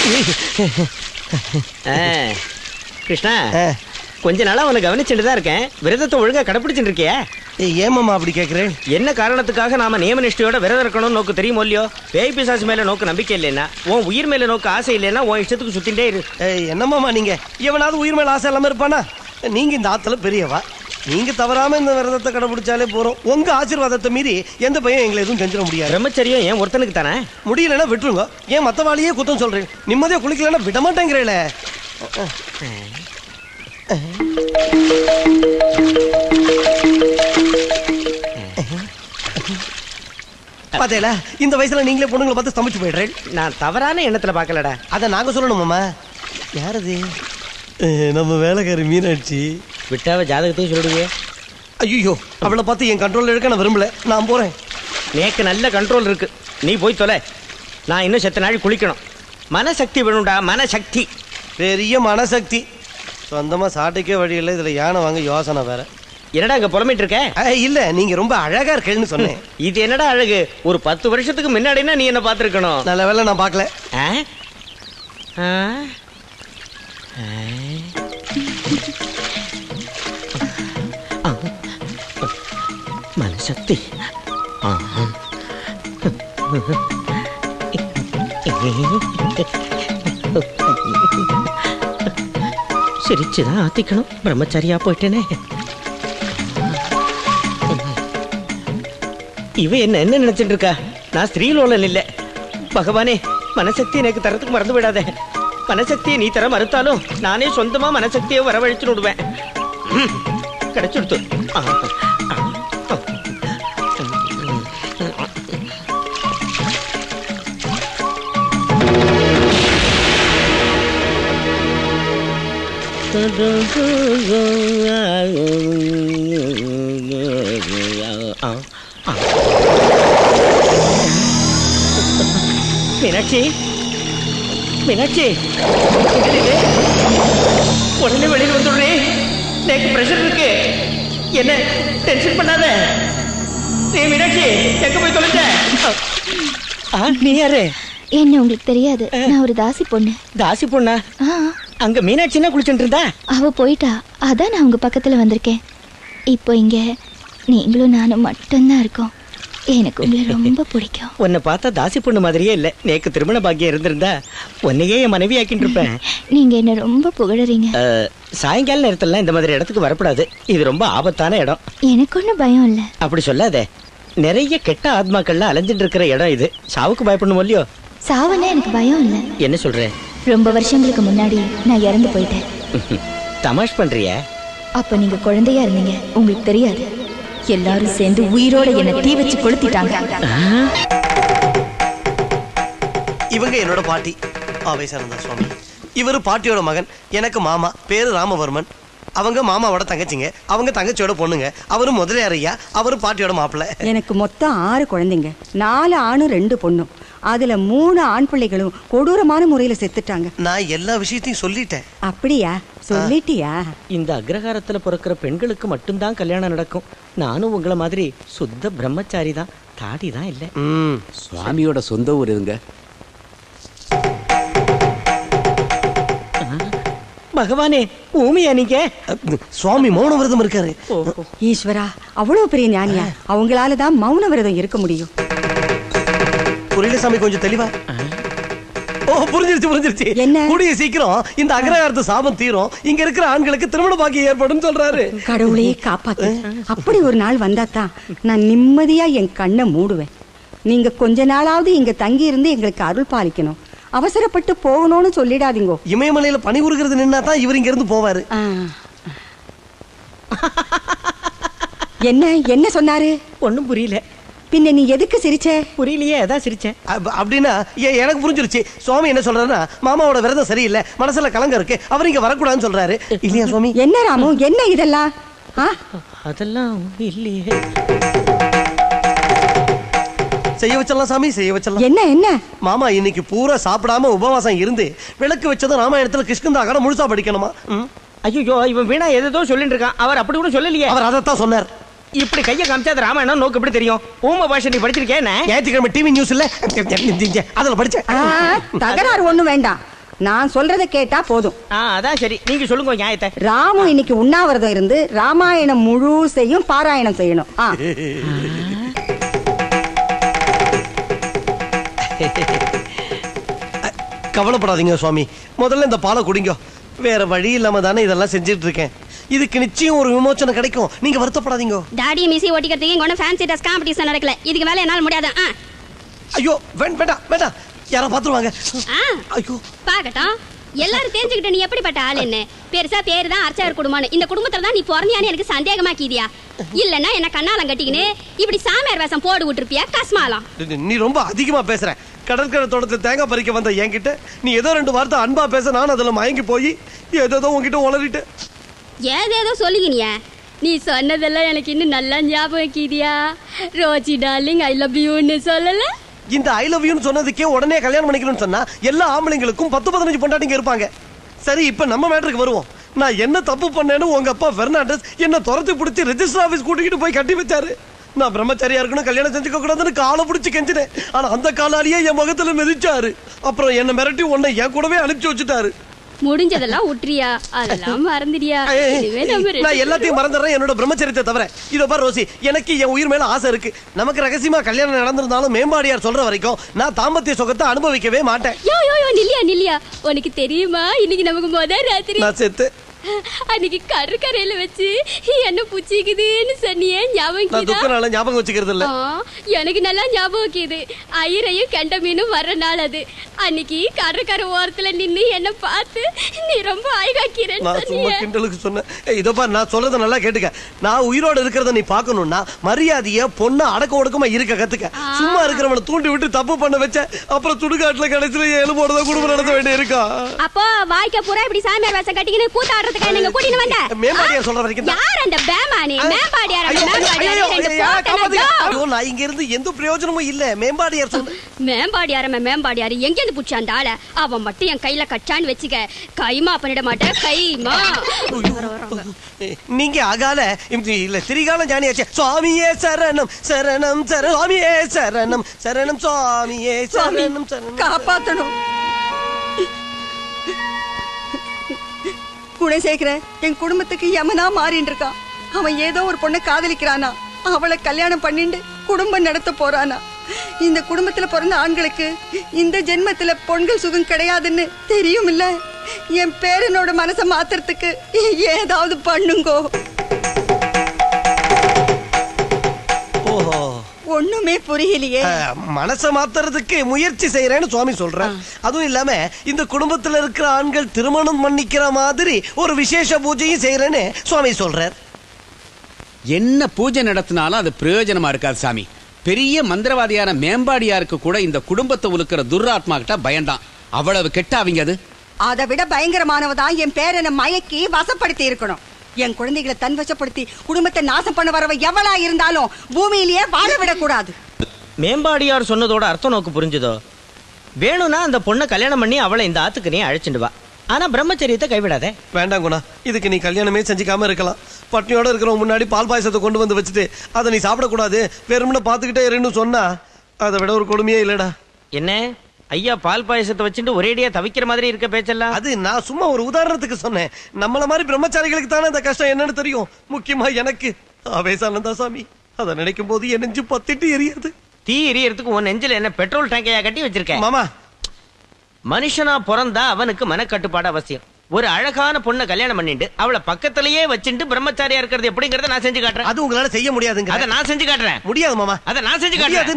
கிருஷ்ணா, கொஞ்ச நாளா உன்னை கவனிச்சுட்டு தான் இருக்கேன். விரதத்தை ஒழுங்கா கடைப்பிடிச்சுட்டு இருக்கியா? ஏமாமா அப்படி கேட்குறேன்? என்ன காரணத்துக்காக நாம நியமனிஷ்டையோட விரதம் இருக்கணும்னு நோக்கு தெரியுமோ இல்லையோ? பேய் பிசாசு மேல நோக்கு நம்பிக்கை இல்லைன்னா, உன் உயிர் மேல நோக்கு ஆசை இல்லைன்னா உன் இஷ்டத்துக்கு சுத்தின்டே இரு. என்னமாமா நீங்க? எவனாவது உயிர் மேல ஆசை இல்லாம இருப்பானா? நீங்க இந்த ஆத்துல பெரியவா, நீங்க தவறாம இந்த விரதத்தை கடைபிடிச்சாலே போறோம். உங்க ஆசீர்வாதத்தை மீறி எந்த பையன் எங்களை எதுவும் செஞ்சிட முடியாது. பிரம்மச்சரியம் ஏன் ஒருத்தனுக்கு தானே? முடியலன்னா விட்டுருங்க. ஏன் மத்தவாளியே குத்தம் சொல்றேன்? நிம்மதியா குளிக்கலன்னா விட மாட்டேங்கிறேல. பாத்தேல, இந்த வயசுல நீங்களே பொண்ணுங்களை பார்த்து ஸ்தம்பிச்சு போயிடுறேன். நான் தவறான எண்ணத்துல பாக்கலடா. அதை நாங்க சொல்லணுமாமா? யாரது? நம்ம வேலைக்காரி மீனாட்சி. விட்டாவ ஜாதகத்தையும் சொல்லுடுங்க. ஐயோ, அவளை பார்த்து என் கண்ட்ரோல் எடுக்க நான் விரும்பல. நான் போறேன். நேக்கு நல்ல கண்ட்ரோல் இருக்கு, நீ போய் தொலை. நான் இன்னும் செத்த நாள் குளிக்கணும். மனசக்தி வேணும்டா, மனசக்தி. பெரிய மனசக்தி. சொந்தமா சாட்டைக்கே வழி இல்லை, இதுல யானை வாங்க யோசனை வேற. என்னடா அங்க புலம்பிட்டு இருக்க? இல்ல, நீங்க ரொம்ப அழகா இருக்கேன்னு சொன்னேன். இது என்னடா அழகு? ஒரு 10 வருஷத்துக்கு முன்னாடினா நீ என்ன பாத்துருக்கணும். நல்ல வேலை நான் பார்க்கல. மனசக்தி. சிரிச்சுதான் ஆத்திக்கணும். பிரம்மச்சாரியா போயிட்டேனே. இவ என்ன என்ன நினைச்சிட்டு இருக்கா? நான் ஸ்ரீலோலன் இல்ல. பகவானே, மனசக்தி எனக்கு தரத்துக்கு மறந்து விடாத. மனசக்தியை நீ தர மறுத்தாலும் நானே சொந்தமா மனசக்தியை வரவழைச்சு விடுவேன். கிடைச்சுடுத்து. மீனாட்சி, மீனாட்சி, உடனே வெளியில் வந்துடுறே. எனக்கு பிரஷர் இருக்கு. என்ன டென்ஷன் பண்ணாத. நீ மீனாட்சி எங்க போய் தொலைஞ்ச? நீ யாரு? என்ன உங்களுக்கு தெரியாது? நான் ஒரு தாசி பொண்ணு. தாசி பொண்ணா? அங்க மீனாட்சினா குளிச்சுட்டு இருந்தா? அவ போயிட்டா. அதான் நான் உங்க பக்கத்துல வந்திருக்கேன். இப்போ இங்க நீங்களும் நானும் மட்டும்தான் இருக்கோம். எனக்கு உங்களை ரொம்ப பிடிக்கும். உன்னை பார்த்தா தாசி பொண்ணு மாதிரியே இல்ல. நேக்கு திருமண பாக்கியம் இருந்திருந்தா உன்னையே என் மனைவி ஆக்கிட்டு இருப்பேன். நீங்க என்ன ரொம்ப புகழறீங்க. சாயங்கால நேரத்துல இந்த மாதிரி இடத்துக்கு வரக்கூடாது. இது ரொம்ப ஆபத்தான இடம். எனக்கு ஒன்னும் பயம் இல்ல. அப்படி சொல்லாதே. நிறைய கெட்ட ஆத்மாக்கள்ல அலைஞ்சிட்டு இருக்கிற இடம் இது. சாவுக்கு பயப்படணும் இல்லையோ? சாவனா எனக்கு பயம் இல்ல. என்ன சொல்ற? ரொம்ப வருஷங்களுக்கு முன்னாடி நான் இறந்து போயிட்டேன். தமாஷ் பண்றிய? அப்ப நீங்க குழந்தையா இருந்தீங்க, உங்களுக்கு தெரியாது. எல்லாரும் சேர்ந்து உயிரோட என்ன தீ வச்சு கொளுத்திட்டாங்க. இவங்க என்னோட பாட்டி ஆவேசானந்தா சுவாமி. இவரு பாட்டியோட மகன், எனக்கு மாமா, பேரு ராமவர்மன். அவங்க மாமாவோட தங்கச்சிங்க, அவங்க தங்கச்சியோட பொண்ணுங்க. அவரு முதலியார் ஐயா, அவரு பாட்டியோட மாப்பிள்ளை. எனக்கு மொத்தம் 6 குழந்தைங்க. 4 ஆணும் 2 பொண்ணும். அதுல 3 ஆண் பிள்ளைகளும் கொடூரமான முறையில செத்துட்டாங்க. நான் எல்லா விஷயத்தையும் சொல்லிட்டேன். அப்படியா? சொல்லிட்டியா? இந்த அக்ரஹாரத்துல பிறக்கிற பெண்களுக்கு மட்டும்தான் கல்யாணம் நடக்கும். நானும் உங்களை மாதிரி சுத்த பிரம்மச்சாரி தான். தாடி தான் இல்ல. சுவாமியோட சொந்த ஊர் எதுங்க? பகவானே, ஊமையா நீங்க? சுவாமி மௌன விரதம் இருக்காரு. ஈஸ்வரா, அவ்வளவு பெரிய ஞானியா? அவங்களாலதான் மௌன விரதம் இருக்க முடியும். புரியல சாமி, கொஞ்சம் தெளிவா. புரிஞ்சிருச்சு. என்ன? கூடிய சீக்கிரம் இந்த அக்ரஹாரத்து சாபம் தீரும். இங்க இருக்கிற ஆண்களுக்கு திருமண பாக்கியம் ஏற்படும் சொல்றாரு. கடவுளே காப்பாத்து. அப்படி ஒரு நாள் வந்தாதான் நான் நிம்மதியா என் கண்ணை மூடுவேன். நீங்க கொஞ்ச நாளாவது இங்க தங்கி இருந்து எங்களுக்கு அருள் பாலிக்கணும். அவசரப்பட்டு போகணும்னு சொல்லிடாதீங்க. இமயமலையில பனி உருகிறது நின்னாதான் இவர் இங்க இருந்து போவாரு. என்ன என்ன சொன்னாரு? ஒண்ணும் புரியல. பின்ன நீ எதுக்கு சிரிச்ச? புரியலையே, அதான் சிரிச்சேன். அப்படின்னா எனக்கு புரிஞ்சிருச்சு. சுவாமி என்ன சொல்றாருன்னா, மாமாவோட விரதம் சரியில்லை, மனசுல கலங்க இருக்கு, அவர் இங்க வரக்கூடாதுன்னு சொல்றாரு. இல்லையா சுவாமி? என்ன ராமு, என்ன இதெல்லாம்? அதெல்லாம் இல்லையே. செய்ய வச்சலாம் சாமி, செய்ய வச்சலாம். என்ன என்ன? மாமா இன்னைக்கு பூரா சாப்பிடாம உபவாசம் இருந்து விளக்கு வச்சதும் ராமாயணத்துல கிருஷ்ணந்தாகரம் முழுசா படிக்கணுமா? ஐயோ, இவன் வீணா ஏதோ சொல்லிட்டு இருக்கான். அவர் அப்படி கூட சொல்லலையே. அவர் அதைத்தான் சொன்னார். இப்படி கையை காமிச்சா அது ராமாயணம் நோக்கு எப்படி தெரியும்? ஊம பாஷை நீ படிச்சிருக்கேன். ஞாயிற்றுக்கிழமை டிவி நியூஸ் இல்ல அதுல படிச்சேன். தகராறு ஒண்ணும் வேண்டாம். நான் சொல்றத கேட்டா போதும். அதான் சரி, நீங்க சொல்லுங்க நியாயத்தை. ராமு இன்னைக்கு உண்ணாவிரதம் இருந்து ராமாயணம் முழுசையும் பாராயணம் செய்யணும். கவலைப்படாதீங்க சுவாமி, முதல்ல இந்த பாலை குடிங்க. வேற வழி இல்லாம தானே இதெல்லாம் செஞ்சுட்டு இருக்கேன். இதுக்கு நிச்சயம் ஒரு விமோச்சனம் கிடைக்கும், நீங்க வருத்தப்படாதீங்க. டாடியை மீசி ஓட்டிக்கிறதுக்கு இங்க ஒன்றும் ஃபேன்சி ட்ரெஸ் காம்படிஷன் நடக்கல. இதுக்கு மேல என்னால முடியாது. ஐயோ வேண்டாம் வேண்டாம், யாரா பாத்துருவாங்க. ஐயோ பாக்கட்டும், எல்லாரும் தெரிஞ்சுக்கிட்ட நீ எப்படிப்பட்ட ஆள் என்ன. பெருசா பேரு தான் அர்ச்சகர் குடும்பம்னு. இந்த குடும்பத்துல தான் நீ பிறந்தியான்னு எனக்கு சந்தேகமாக்கிதியா? இல்லன்னா என்ன கண்ணாலம் கட்டிக்கின்னு இப்படி சாமியார் வேஷம் போடு விட்டுருப்பியா கஸ்மாலம்? நீ ரொம்ப அதிகமா பேசுற. கடற்கரை தோட்டத்துல தேங்காய் பறிக்க வந்த என்கிட்ட நீ ஏதோ 2 வார்த்தை அன்பா பேச, நான் அதுல மயங்கி போய் ஏதோ உங்ககிட்ட உளறிட்டு ஏதேதோ சொல்லிக்கினியா? நீ சொன்னதெல்லாம் எனக்கு இன்னும் நல்லா ஞாபகம் கீதியா? ரோஜி டார்லிங் ஐ லவ் யூன்னு சொல்லல? இந்த ஐ லவ் யூன்னு சொன்னதுக்கே உடனே கல்யாணம் பண்ணிக்கணும்னு சொன்னா எல்லா ஆம்பளைங்களுக்கும் 10-15 பொண்டாட்டிங்க இருப்பாங்க. சரி, இப்ப நம்ம மேட்டருக்கு வருவோம். நான் என்ன தப்பு பண்ணேன்னு உங்க அப்பா பெர்னாண்டஸ் என்ன துரத்தி பிடிச்சி ரெஜிஸ்டர் ஆபீஸ் கூட்டிக்கிட்டு போய் கட்டி வச்சாரு. நான் பிரம்மச்சாரியா இருக்கணும், கல்யாணம் செஞ்சுக்க கூடாதுன்னு காலை பிடிச்சி கெஞ்சினேன். ஆனா அந்த காலாலேயே என் முகத்துல மிதிச்சாரு. அப்புறம் என்ன மிரட்டி உன்னை என் கூடவே அனுப்பிச்சு வச்சுட்டாரு. முடிஞ்சதெல்லாம் உட்ரியா, அதெல்லாம் மறந்துடியா? நான் எல்லாத்தையும் மறந்துடுறேன் என்னோட பிரம்மச்சரியத்தை தவிர. இதோ பாரு ரோசி, எனக்கு என் உயிர் மேல ஆசை இருக்கு. நமக்கு ரகசியமா கல்யாணம் நடந்திருந்தாலும் மேம்பாடியார் சொல்ற வரைக்கும் நான் தாம்பத்திய சுகத்தை அனுபவிக்கவே மாட்டேன். யோ யோ யோ நில்லியா, உனக்கு தெரியுமா இன்னைக்கு நமக்கு முதல் ராத்திரி? நான் செத்து அன்னைக்கு கடற்கரையில வச்சு என்ன புச்சிக்குதுன்னு சொன்னியே, ஞாபகம் வச்சுக்கிறது இல்ல. எனக்கு நல்லா ஞாபகம் வைக்குது. ஐயரையும் கெண்ட மீனும் வர்ற நாள் அது. அன்னைக்கு கடற்கரை ஓரத்துல நின்னு என்ன பார்த்து நீ ரொம்ப கிண்டலுக்கு சொன்னேன். இதோ பாரு, நான் சொல்றத நல்லா கேட்டுக்க. நான் உயிரோட இருக்கிறத நீ பாக்கணும்னா மரியாதைய பொண்ணு அடக்க ஒடுக்கமா இருக்க கத்துக்க. சும்மா இருக்கிறவனை தூண்டி விட்டு தப்பு பண்ண வச்ச அப்புறம் சுடுகாட்டுல கடைசியில எலும்போட குடும்பம் நடத்த வேண்டிய இருக்கா? அப்போ வாய்க்க பூரா இப்படி சாமியார் வேஷம் கட்டிக்கின்னு கூத்தாடுற மேம்பாடியார் சொல்ற வரைக்கும் நான் இங்க இருந்து எந்த பிரயோஜனமும் இல்ல. மேம்பாடியார் எங்க இருந்து புடிச்சான் ஆள? அவன் மட்டும் என் கையில கச்சான்னு வச்சுக்க, கைமா பண்ணிட மாட்டேன். கைமா நீங்க அகால இல்ல திரிகாலம் ஜானியாச்சு. சுவாமியே சரணம் சரணம் சரணம், சுவாமியே சரணம் சரணம், சுவாமியே சரணம் சரணம். காப்பாத்தணும். குணசேகர என் குடும்பத்துக்கு யமனா மாறின்னு இருக்கான். அவன் ஏதோ ஒரு பொண்ணை காதலிக்கிறானா, அவளை கல்யாணம் பண்ணிட்டு குடும்பம் நடத்த போறானா. இந்த குடும்பத்துல பிறந்த ஆண்களுக்கு இந்த ஜென்மத்துல பொண்கள் சுகம் கிடையாதுன்னு தெரியும் இல்ல. என் பேரனோட மனசை மாத்துறதுக்கு ஏதாவது பண்ணுங்கோ. ஒண்ணுமே புரியலையே. மனச மாத்துறதுக்கு முயற்சி செய்யறேன்னு சுவாமி சொல்றேன். அதுவும் இல்லாம இந்த குடும்பத்துல இருக்கிற ஆண்கள் திருமணம் பண்ணிக்கிற மாதிரி ஒரு விசேஷ பூஜையும் செய்யறேன்னு சுவாமி சொல்றார். என்ன பூஜை நடத்தினாலும் அது பிரயோஜனமா இருக்காது சாமி. பெரிய மந்திரவாதியான மேம்பாடியாருக்கு கூட இந்த குடும்பத்தை உழுக்கிற துர்ராத்மா கிட்ட பயந்தான். அவ்வளவு கெட்ட அவங்க. அது அதை விட பயங்கரமானவதான் என் பேரனை மயக்கி வசப்படுத்தி இருக்கணும். என் குழந்தைகளை தன் வசப்படுத்தி குடும்பத்தை நாசம் பண்ண வரவ எவளா இருந்தாலும் பூமியிலேயே வாழ விடக்கூடாது. மேம்பாடியார் சொன்னதோட அர்த்தம் நோக்கு புரிஞ்சுதோ? வேணும்னா அந்த பொண்ணை கல்யாணம் பண்ணி அவளை இந்த ஆத்துக்கு நீ அழைச்சிட்டு வா. ஆனா பிரம்மச்சரியத்தை கைவிடாதே. வேண்டாம் குணா, இதுக்கு நீ கல்யாணமே செஞ்சுக்காம இருக்கலாம். பட்னியோட இருக்கிறவங்க முன்னாடி பால் பாயசத்தை கொண்டு வந்து வச்சுட்டு அதை நீ சாப்பிடக்கூடாது, வெறும்னு பாத்துக்கிட்டே இருன்னு சொன்னா அதை விட ஒரு கொடுமையே இல்லடா. என்ன ஐயா, பால் பாயசத்தை வச்சுட்டு ஒரேடியா தவிக்கிற மாதிரி இருக்க பேச்செல்லாம்? அது நான் சும்மா ஒரு உதாரணத்துக்கு சொன்னேன். நம்மள மாதிரி பிரம்மச்சாரிகளுக்கு தானே அந்த கஷ்டம் என்னன்னு தெரியும். முக்கியமா எனக்கு ஆவேசானந்தா சாமி. அதை நினைக்கும் போது என் நெஞ்சு பத்திட்டு எரியாது. தீ எரியறதுக்கு உன் நெஞ்சில என்ன பெட்ரோல் டேங்கையா கட்டி வச்சிருக்கேன்? மாமா, மனுஷனா பிறந்தா அவனுக்கு மனக்கட்டுப்பாடு அவசியம். ஒரு அழகான பொண்ணை கல்யாணம் பண்ணிட்டு அவளை பக்கத்திலேயே வச்சுட்டு பிரம்மச்சாரியா இருக்கிறது எப்படிங்கறத நான் செஞ்சு காட்டுறேன். அது உங்களால செய்ய முடியாதுங்க. அதை நான் செஞ்சு காட்டுறேன். முடியாது மாமா, அதை நான் செஞ்சு காட்டுறேன்.